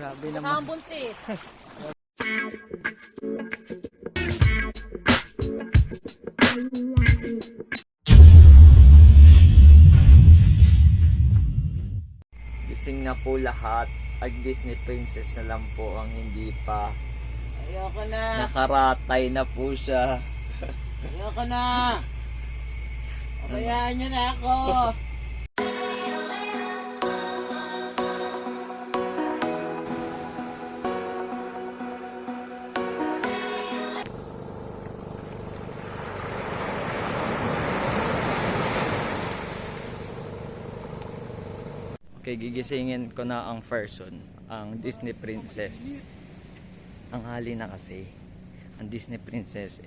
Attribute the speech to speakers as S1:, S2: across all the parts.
S1: Grabe naman.
S2: Kasama buntis.
S1: Gising na po lahat. At Disney Princess na lang po ang hindi pa.
S2: Ayoko na.
S1: Nakaratay na po siya.
S2: Ayoko na. Pabayaan niyo na ako.
S1: Okay, gigisingin ko na ang person, ang Disney Princess. Ang hali na kasi. Ang Disney Princess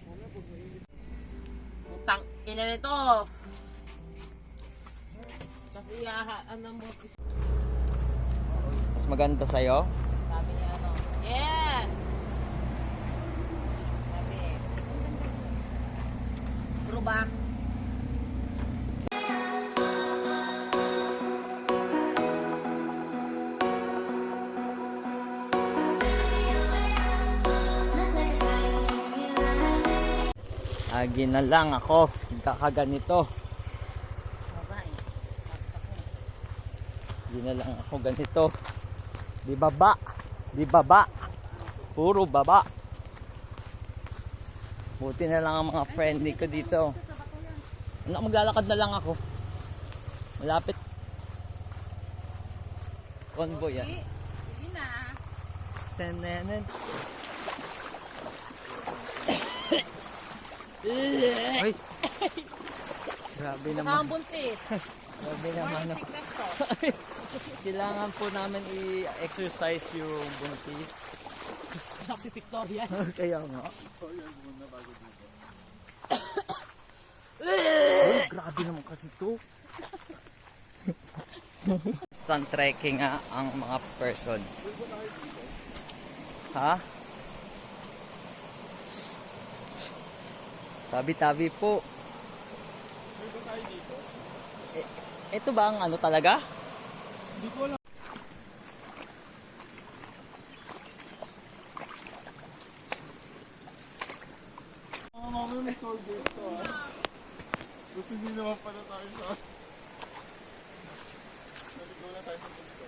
S2: Utang ina nito. Kasi ano mo.
S1: mas maganda sa'yo.
S2: Sabi niya ano. Yes. Sabi. True ba?
S1: Agi na lang ako. Kakaganito. Agi na lang ako ganito. Di baba. Di baba. Puro baba. Buti na lang ang mga friendly ko dito. Maglalakad na lang ako. Malapit. Convoy yan.
S2: Sige na.
S1: Senenen. Ay. Grabe naman.
S2: Kasama buntis.
S1: Grabe naman.
S2: Sickness to.
S1: Kailangan po namin i-exercise yung buntis.
S2: Si Victoria.
S1: Kaya nga. Oh, grabe naman kasi to. Instant trekking nga ang mga person. Ha? Tabi-tabi po. Ito ba ang ano talaga?
S3: Hindi ko alam. Mamaya may toll dito Tapos hindi naman pala tayo sa... Naligaw na tayo sa dito.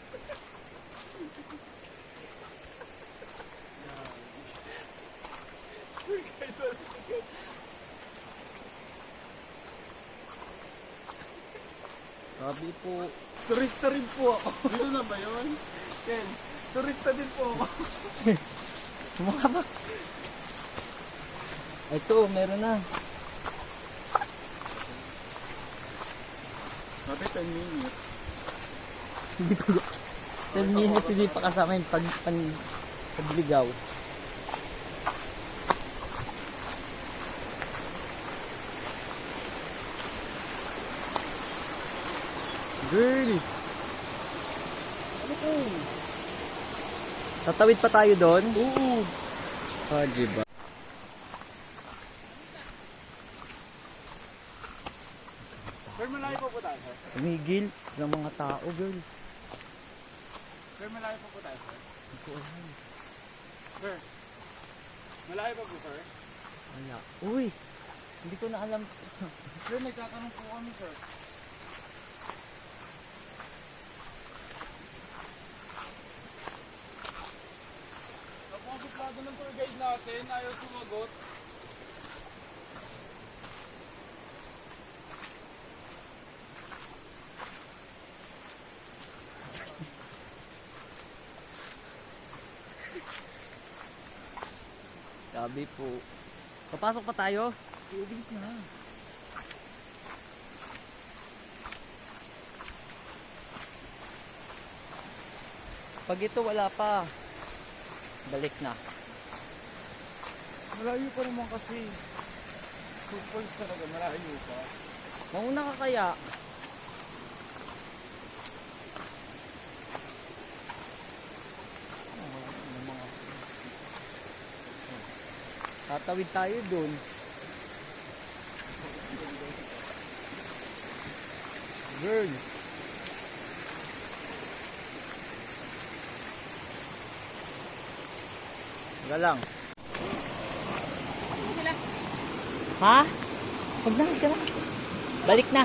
S1: Sabi po.
S3: Turista rin po ako. Dito na ba yun? Ken, turista din po ako.
S1: Sumaka ba? Ito, meron na.
S3: Sabi 10 minutes.
S1: Hindi pa. 10 minutes hindi pa kasama yung pagligaw. Girl!
S3: Ano po?
S1: Tatawid pa tayo doon?
S3: Oo.
S1: Ah, diba?
S3: Sir, malayo po po tayo, sir.
S1: Tumigil ng mga tao, girl.
S3: Sir, malayo po po tayo, sir.
S1: Hindi ko alam.
S3: Sir, malayo pa po, sir.
S1: Wala. Uy! Hindi ko na alam.
S3: Sir, nagtatanong po kami, sir. Napakasuplado ng tour guide natin, ayaw sumagot.
S1: Sabi po. Papasok pa tayo?
S3: Ibilis na.
S1: Pag ito wala pa. Balik na.
S3: Malayo pa naman kasi. Footballs talaga, malayo pa.
S1: Mauna ka kaya? Tatawid tayo dun. Girl. Wala lang.
S2: Sila.
S1: Ha? Huwag na, ka na. Balik na.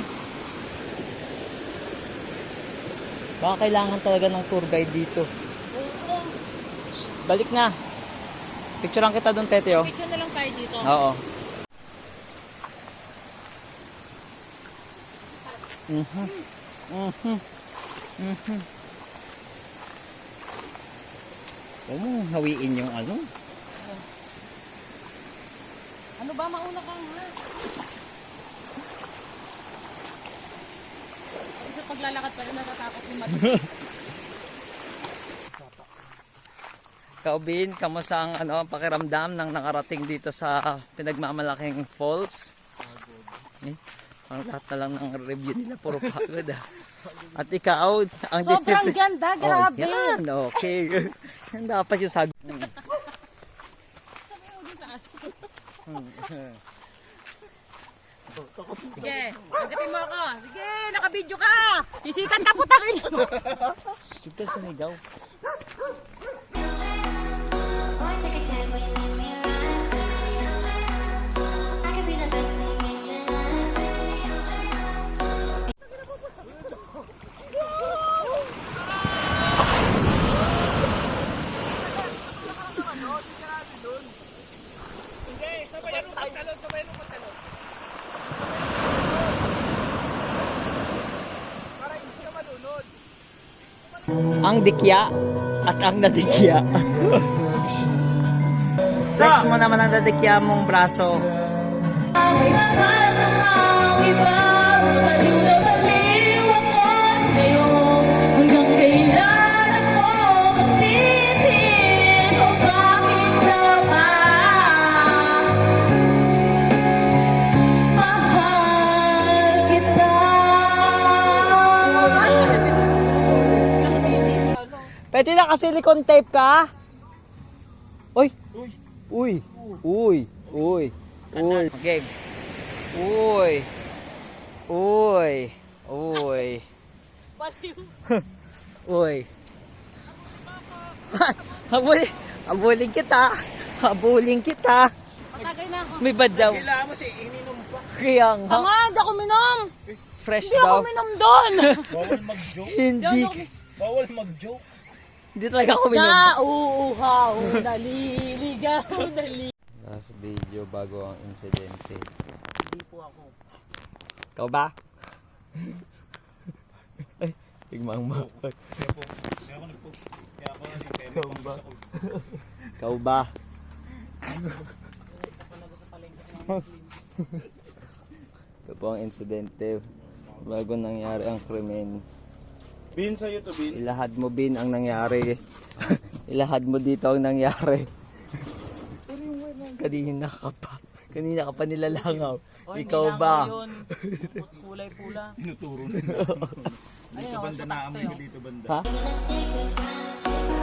S1: Baka kailangan talaga ng tour guide dito.
S2: Oo.
S1: Shh, balik na. Picturean kita doon, Tete, oh.
S2: Picture na lang tayo dito.
S1: Oo. Mhm. Mhm. Mhm. Huwag mong hawiin yung ano.
S2: Ano ba mauna kang ha? Kasi sa paglalakad pa rin natatakot yung mati.
S1: Kaubin, kamusta ang pakiramdam ng nakarating dito sa pinagmamalaking falls? Eh, ang lahat na lang ng review nila, puro pagod ah. At ikaw, ang
S2: Sobrang ganda, grabe.
S1: Oh, yan, okay. Yan dapat yung sagot.
S2: Sige, agapin mo ako. Sige, nakabidyo ka. Sisikat ka putangin mo.
S1: Huwag ka sumigaw.
S4: Boy, take a chance when you let me ride. I could be the best thing in your life.
S1: Ang dikya at ang nadikya. Flex mo naman ang nadikya mong braso. Pwede na silicone tape ka? Uy! Uy! Uy! Uy! Uy! Okay. Uy! Uy! Uy!
S2: Baliw.
S1: Uy! Habulin kita! Habulin kita!
S2: Matagay na ako.
S1: May badyaw.
S3: Kailangan mo siya, ininom pa.
S1: Kaya nga.
S2: Tama, hindi ako minom.
S1: Fresh
S2: Hindi ako
S1: daw.
S2: minom doon.
S3: Bawal mag-joke.
S1: Hindi.
S3: Bawal mag-joke.
S1: Hindi talaga ako minom.
S2: Nauuhaw, naliligaw,
S1: Last video bago ang insidente.
S2: Hindi po ako.
S1: Ikaw ba? Ay, tigmang ma.
S3: Kaya po, kaya ako nagpo. Kaya ako nagpere.
S1: Ikaw ba? Ikaw ba? Ito po ang insidente bago nangyari ang krimen.
S3: Bin sa'yo to, Bin.
S1: Ilahad mo bin ang nangyari. Ilahad mo dito ang nangyari. Kanina ka pa nilalangaw. Ikaw ba?
S2: Kulay pula.
S3: Tinuturo na. Dito banda na amoy na dito banda.
S1: Ha?
S4: Let's take a drive, take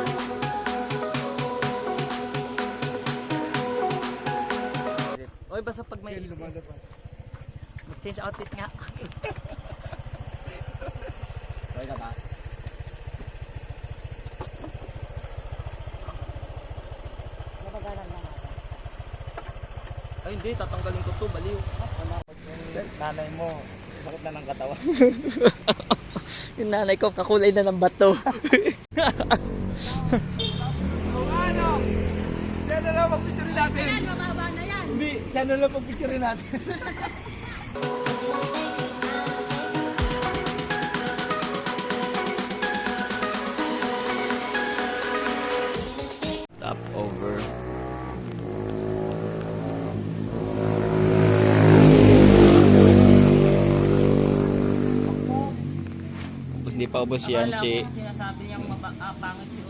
S4: a drive.
S1: Oy, basta pag may mag-change outfit nga. Okay ka ba? Ay hindi, tatanggalin ko to, baliw.
S3: Nanay mo, bakit na ng katawan?
S1: Yung nanay ko, kakulay na ng bato.
S3: Siya na lang mag-picture natin.
S2: Yan, mababa na yan.
S3: Hindi, siya na lang mag-picture natin.
S1: Stop over. Hindi pa ubos yan,
S2: Akala
S1: Chi.
S2: ko sinasabi niyang pangit yun.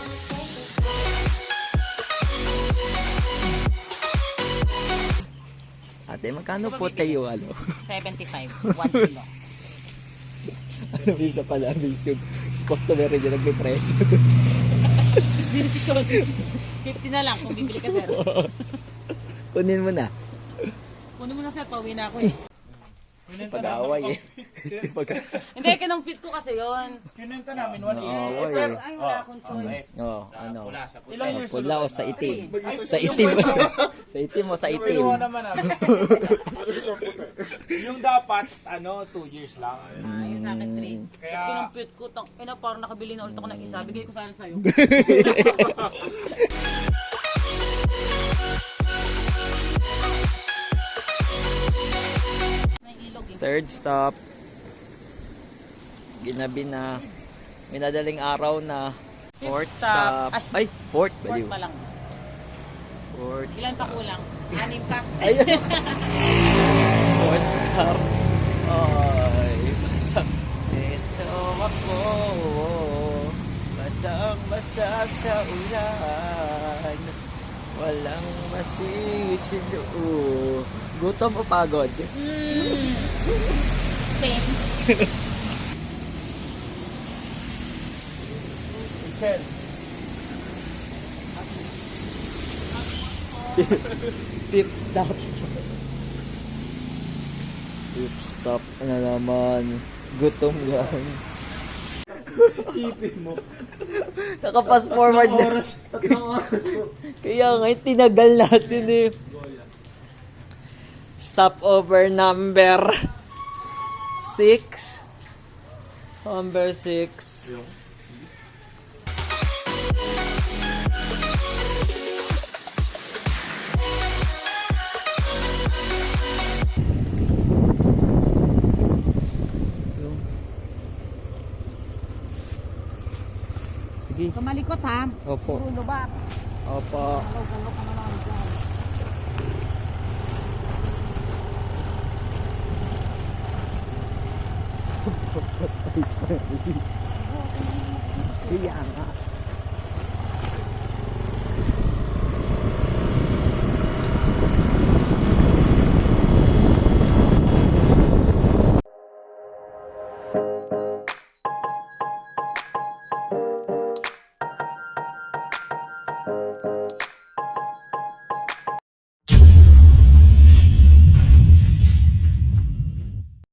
S1: Ate, magkano po tayo,
S2: 75, 1 kilo.
S1: Ano visa pala, visa. Customer rin yung nagpipreso.
S2: Decision. 50 na lang kung bibili ka, sir.
S1: Kunin mo na.
S2: Kunin mo na, sir. Pauwi na ako eh.
S1: Pag-away eh.
S2: Hindi, kinumpit ko kasi yun.
S5: Kinenta namin 1 year.
S1: Away
S2: Pero
S1: eh.
S2: ay, wala akong choice.
S1: Oh, ano?
S5: Ilang years
S1: Pula o sa itim? Sa itim o sa itim o sa itim?
S5: Kinuha naman namin. Yung dapat, 2 years lang.
S2: Ayun sa akin, 3.
S5: Kaya-
S2: Tapos kinumpit ko, parang nakabili na ulit ako ng isa. Bigay ko sana sa'yo. May ilog eh.
S1: Third stop. Ginabi na. Minadaling araw na. Fourth
S2: Fifth stop.
S1: stop. Ay, fourth.
S2: Fourth
S1: Baliw.
S2: pa lang.
S1: Fourth
S2: Ilan pa
S1: stop.
S2: kulang? 6 pa.
S1: Ayun. Fourth stop. Ay, basta. Ito ako. Basang-basa sa ulan. Walang masisilo. Gutom o pagod?
S2: Same.
S5: Ken,
S1: Fifth stop. Fifth stop na naman. Gutom yan.
S3: Sipin mo.
S1: Nakapas forward na.
S3: Tatlong oras mo.
S1: Kaya nga, tinagal natin eh. Stopover number 6. Number 6. Sige.
S2: Kumalikot ha.
S1: Opo.
S2: Puro lubat.
S1: Opo.
S2: Galaw-galaw ka naman dyan.
S1: Kaya nga.